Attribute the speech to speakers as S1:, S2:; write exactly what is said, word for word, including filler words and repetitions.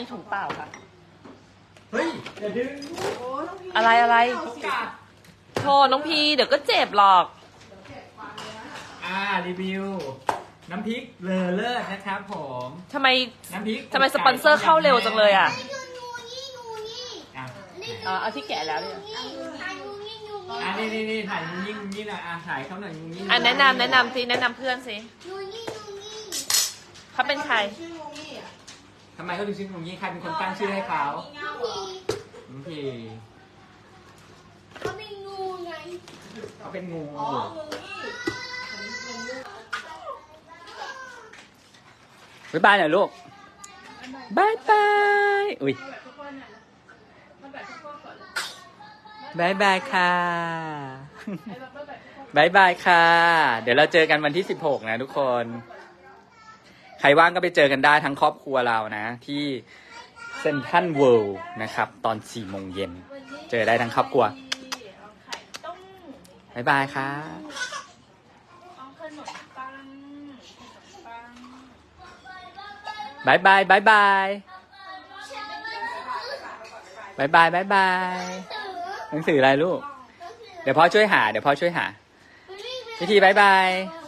S1: นี้ถุงเปล่าค่ะ
S2: เฮ้ยอย่าดึง
S1: อะไรอะไร
S2: เขากัด
S1: โทษน้องพีเดี๋ยวก็เจ็บหรอก
S2: อ่ารีวิว น้ำพริกเลอเลิศนะครับผม
S1: ทำไม
S2: น้ำพริก
S1: ทำไมสปอนเซอร์เข้าเร็วจังเลยอ่ะ
S3: งูนี่งูนี่
S2: อ่ะ
S1: อ่าเอาที่แกะแล้วเนี่ย
S3: งูนี่งูนี่
S2: อ่ะนี่นี่นี่ถ่ายงูยิ่งงูยิ่งหน่อยอ่ะถ่ายเขาหน่อยงูยิ่ง
S1: อ่ะแนะนำแนะนำสิแนะนำเพื่อนสิ
S3: งูนี่งูนี่
S1: เขาเป็นใคร
S2: ทำไมเขาถึงชื่องูยิ่งใครเป็นคนตั้งชื่อให้เขา
S3: งูพี
S2: น้องพี
S3: เขาเป็นงูไง
S2: เขาเป็นงูบ๊ายบายหน่อยลูกบายบายอุ้ยบายบายค่ะบายบายค่ะ เดี๋ยวเราเจอกันวันที่สิบหกนะทุกคน ใครว่างก็ไปเจอกันได้ทั้งครอบครัวเรานะ ที่เซ็นทรัลเวิลด์นะครับ ตอนสี่โมงเย็นเจอได้ทั้งครอบครัวบายบายค่ะบายบายบายบายบายบายบายบายหนังสืออะไรลูก เดี๋ยวพ่อช่วยหา เดี๋ยวพ่อช่วยหา พิธีบายบาย